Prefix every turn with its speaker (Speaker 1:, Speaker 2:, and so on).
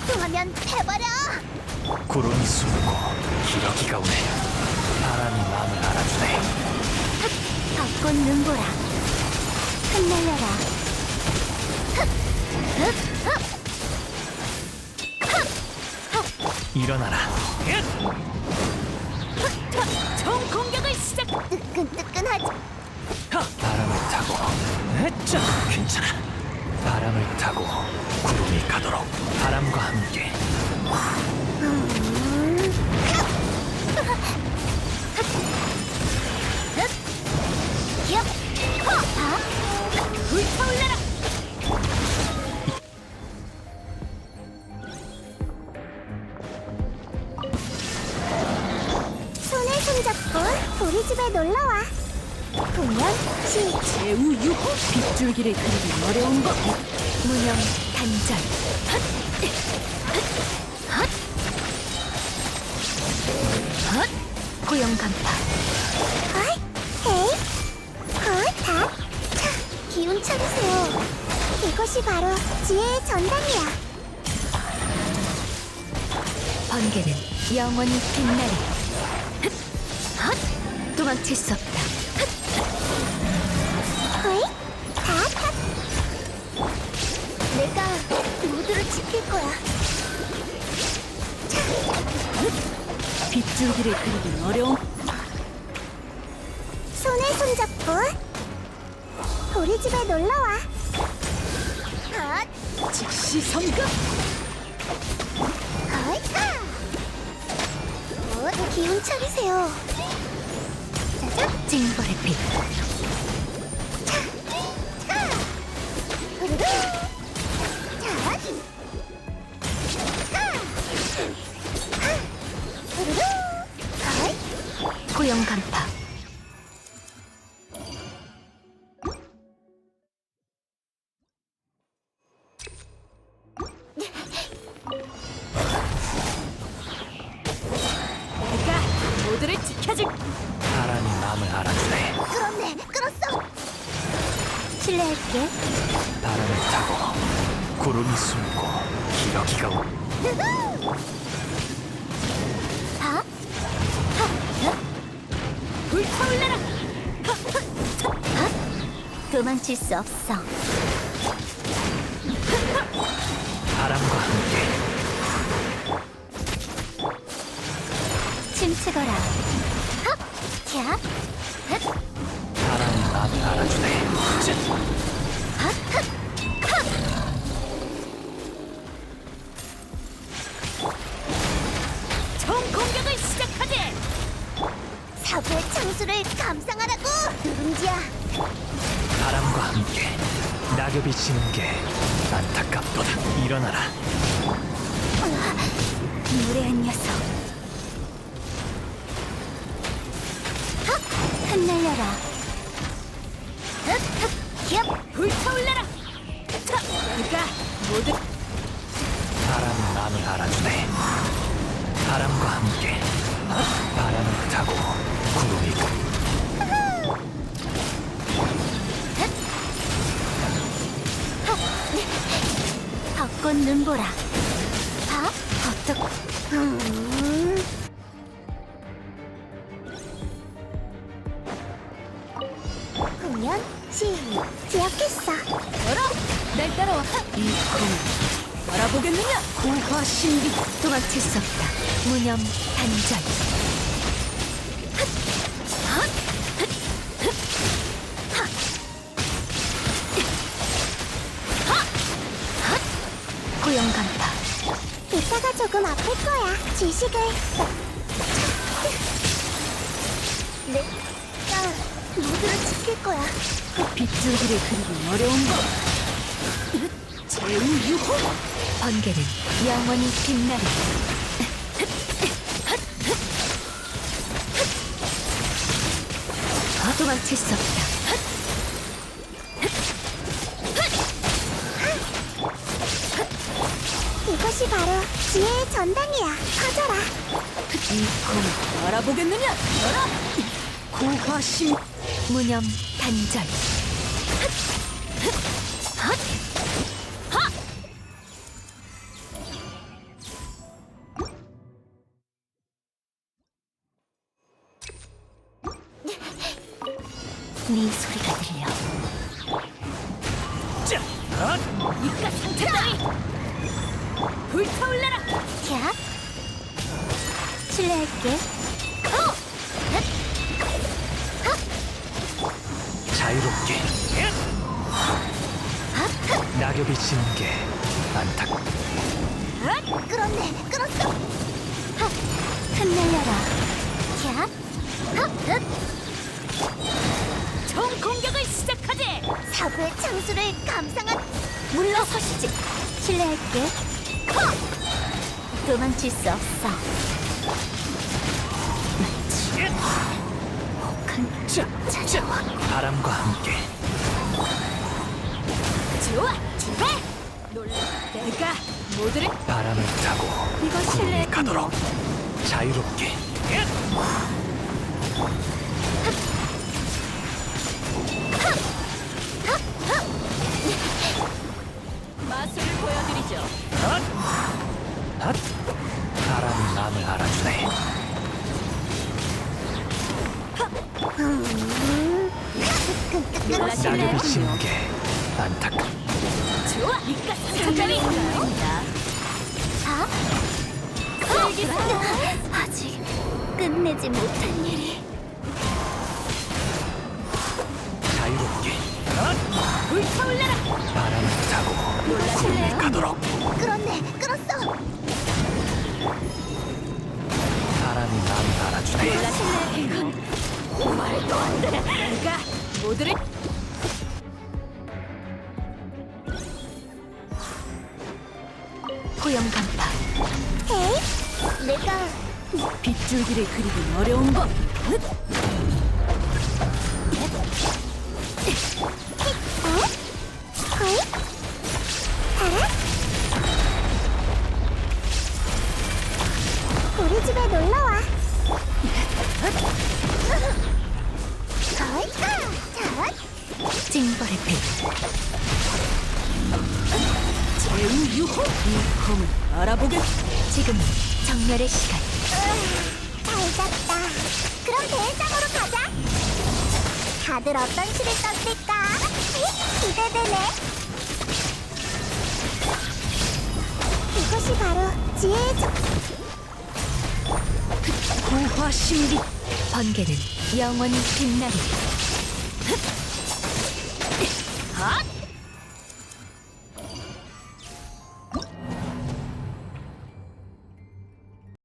Speaker 1: 통하면 해버려!
Speaker 2: 구름이 숨고 기러기가 오네. 바람이 마음을 알아주네.
Speaker 1: 벚꽃 눈보라 흩날려라.
Speaker 2: 일어나라.
Speaker 1: 총 공격을 시작! 뜨끈뜨끈하지?
Speaker 2: 바람을 타고 으쌰! 괜찮아. 바람을 타고 구름이 가도록. 바람과 함께
Speaker 1: 불타올라라! 손에 손잡고 우리 집에 놀러와. 공연 시작.
Speaker 3: 제우 유호 빗줄기를 그리기 어려운 법.
Speaker 1: 무념 단절. 고용 간파. 헐, 에이, 헐, 다. 차, 기운 차리세요. 이것이 바로 지혜의 전당이야.
Speaker 3: 번개는 영원히 빛나리. 도망칠 수 없다.
Speaker 1: 헐, 다, 다. 내가 모두를 지킬 거야.
Speaker 3: 빗줄기를 그리기 어려운.
Speaker 1: 손에 손잡고 우리 집에 놀러와. 헛,
Speaker 3: 즉시 성급.
Speaker 1: 헛, 기운 차리세요. 짜잔,
Speaker 3: 징벌의 빛.
Speaker 1: 후루루. 자, 후루루. 헛,
Speaker 3: 고용 간파. 내가 모두를 지켜줄.
Speaker 2: 바람이 마음을 알아주네.
Speaker 1: 끌었네, 끌었어. 실례할게.
Speaker 2: 바람을 타고 구름이 숨고 기러기가 오.
Speaker 1: 다,
Speaker 3: 불타올라라.
Speaker 1: 도망칠 수 없어.
Speaker 2: 바람과 함께
Speaker 1: 춤추거라. 헉! 캬!
Speaker 2: 바람이 마음을 알아주네. 쯧!
Speaker 3: 총 공격을 시작하지.
Speaker 1: 사부의 창수를 감상하라고! 누룽지야!
Speaker 2: 바람과 함께 낙엽이 지는 게 안타깝도다. 일어나라.
Speaker 1: 무례한 녀석. 헉! 흩날려라. 흑! 흑! 기업!
Speaker 3: 불타올라라. 내가 모두.
Speaker 2: 바람이 마음을 알아주네. 바람과 함께 바람을 타고 구름이 가.
Speaker 1: 벚꽃 눈보라. 봐? 어떡... 공연 시작. 기억했어.
Speaker 3: 날 따라와. 이 검 알아보겠느냐? 고화 신비. 도망칠 수 없다. 무념 단절. 고용 간파.
Speaker 1: 이따가 조금 아플 거야. 지식을. 내가 모두를 지킬 거야.
Speaker 3: 빗줄기를 그리기 어려운 법. 제우 유호. 번개는 영원히 빛나리. 도망칠 수 없다.
Speaker 1: 이것이 바로 지혜의 전당이야. 커져라.
Speaker 3: 이 검 알아보겠느냐? 열어. 고화 신. 무념 단절. 네 소리가 들려.
Speaker 2: 자,
Speaker 3: 이깟 상처 따위 불타올라라.
Speaker 1: 캬. 실례할게.
Speaker 2: 자유롭게. 낙엽이 지는 게 안타깝.
Speaker 1: 끌었네, 끌었어. 흩날려라. 캬.
Speaker 3: 총 공격을 시작하지.
Speaker 1: 사부의 창수를 감상한 물러서시지. 실례할게. 도망칠 수 없어. 혹한 쭉 찾아와.
Speaker 2: 바람과 함께
Speaker 3: 좋아, 출발. 놀라. 내가 모두를
Speaker 2: 바람을 타고
Speaker 3: 이거
Speaker 2: 구름이
Speaker 3: 실례
Speaker 2: 가도록 자유롭게.
Speaker 3: 마술을 보여드리죠.
Speaker 2: 핫! 바람이 마음을 알아주네.
Speaker 3: 놀라
Speaker 2: 낙엽이
Speaker 3: 실례군요.
Speaker 2: 지는 게 안타깝.
Speaker 3: 좋아, 이깟 상처 따위 아닙니다.
Speaker 1: 아직 끝내지 못한 일이.
Speaker 2: 자유롭게
Speaker 3: 불타올라라.
Speaker 2: 바람을 타고
Speaker 3: 놀라
Speaker 2: 구름이
Speaker 3: 실례군요.
Speaker 2: 가도록.
Speaker 1: 끌었네, 끌었어.
Speaker 2: 바람이 마음을 알아주네.
Speaker 3: 놀라 실례군요. 말도 안 돼. 내가 모두를 포영 간파.
Speaker 1: 에이, 내가
Speaker 3: 빗줄기를 그리긴 어려운 법.
Speaker 1: 거의 알아? 우리 집에 놀러와. 거의 자,
Speaker 3: 찡벌의 빛. 제우 유호. 이 검을 알아보겠. 지금 정멸의 시간.
Speaker 1: 잘 잤다. 그럼 대회장으로 가자. 다들 어떤 시를 썼을까? 기대되네. 이것이 바로 지혜의
Speaker 3: 고화 신비. 번개는 영원히 빛나리.